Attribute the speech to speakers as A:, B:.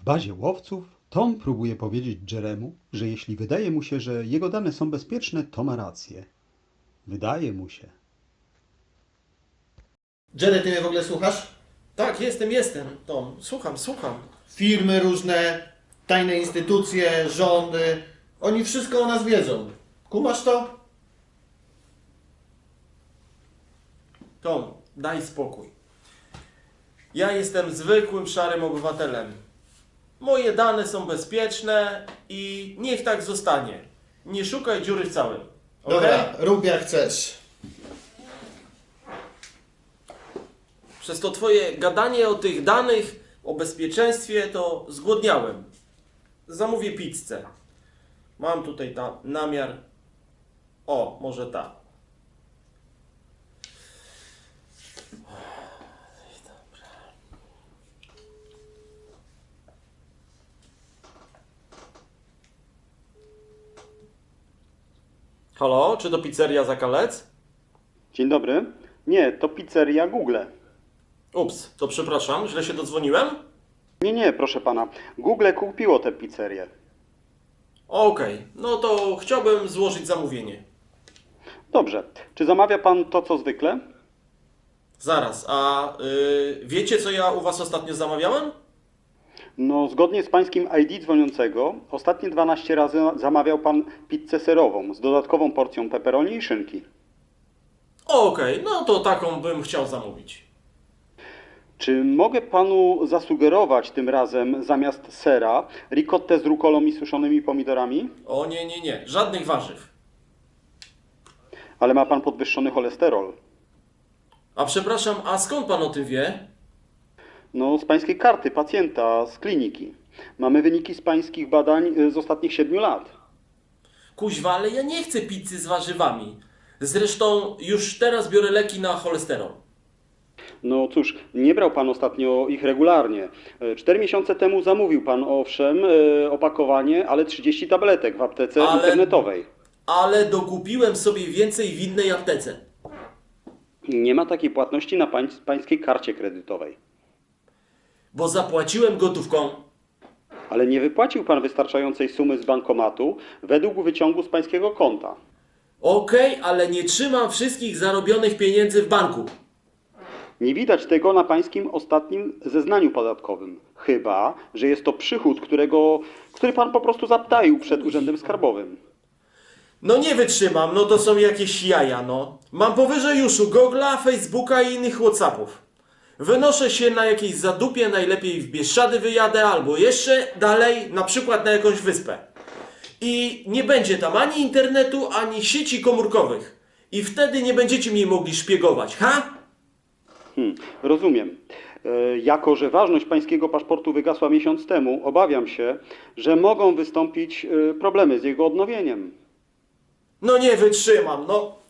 A: bazie łowców Tom próbuje powiedzieć Jeremu, że jeśli wydaje mu się, że jego dane są bezpieczne, to ma rację. Wydaje mu się.
B: Jerry, ty mnie w ogóle słuchasz?
C: Tak, jestem, Tom. Słucham.
B: Firmy różne, tajne instytucje, rządy, oni wszystko o nas wiedzą. Kumasz to?
C: Tom, daj spokój. Ja jestem zwykłym, szarym obywatelem. Moje dane są bezpieczne i niech tak zostanie. Nie szukaj dziury w całym. Okej?
B: Dobra, rób jak chcesz.
C: Przez to twoje gadanie o tych danych, o bezpieczeństwie, to zgłodniałem. Zamówię pizzę. Mam tutaj namiar. O, może ta. Halo, czy to pizzeria Zakalec?
A: Dzień dobry. Nie, to pizzeria Google.
C: Ups, to przepraszam, źle się dodzwoniłem?
A: Nie, proszę pana. Google kupiło tę pizzerię.
C: Okej, no to chciałbym złożyć zamówienie.
A: Dobrze. Czy zamawia pan to, co zwykle?
C: Zaraz, a wiecie, co ja u was ostatnio zamawiałem?
A: No, zgodnie z pańskim ID dzwoniącego, ostatnie 12 razy zamawiał pan pizzę serową z dodatkową porcją pepperoni i szynki.
C: Okej, no to taką bym chciał zamówić.
A: Czy mogę panu zasugerować tym razem zamiast sera ricottę z rukolą i suszonymi pomidorami?
C: O nie, żadnych warzyw.
A: Ale ma pan podwyższony cholesterol.
C: A przepraszam, a skąd pan o tym wie?
A: No, z pańskiej karty pacjenta z kliniki. Mamy wyniki z pańskich badań z ostatnich 7 lat.
C: Kuźwa, ale ja nie chcę pizzy z warzywami. Zresztą już teraz biorę leki na cholesterol.
A: No cóż, nie brał pan ostatnio ich regularnie. 4 miesiące temu zamówił pan, owszem, opakowanie, ale 30 tabletek w aptece internetowej.
C: Ale dokupiłem sobie więcej w innej aptece.
A: Nie ma takiej płatności na pańskiej karcie kredytowej.
C: Bo zapłaciłem gotówką.
A: Ale nie wypłacił pan wystarczającej sumy z bankomatu według wyciągu z pańskiego konta.
C: Okej, ale nie trzymam wszystkich zarobionych pieniędzy w banku.
A: Nie widać tego na pańskim ostatnim zeznaniu podatkowym. Chyba że jest to przychód, który pan po prostu zaptaił przed Urzędem Skarbowym.
C: No nie wytrzymam, no to są jakieś jaja, no. Mam powyżej uszu Google'a, Facebooka i innych Whatsappów. Wynoszę się na jakiejś zadupie, najlepiej w Bieszczady wyjadę, albo jeszcze dalej, na przykład na jakąś wyspę. I nie będzie tam ani internetu, ani sieci komórkowych. I wtedy nie będziecie mnie mogli szpiegować, ha?
A: Rozumiem. Jako że ważność pańskiego paszportu wygasła miesiąc temu, obawiam się, że mogą wystąpić problemy z jego odnowieniem.
C: No nie wytrzymam, no.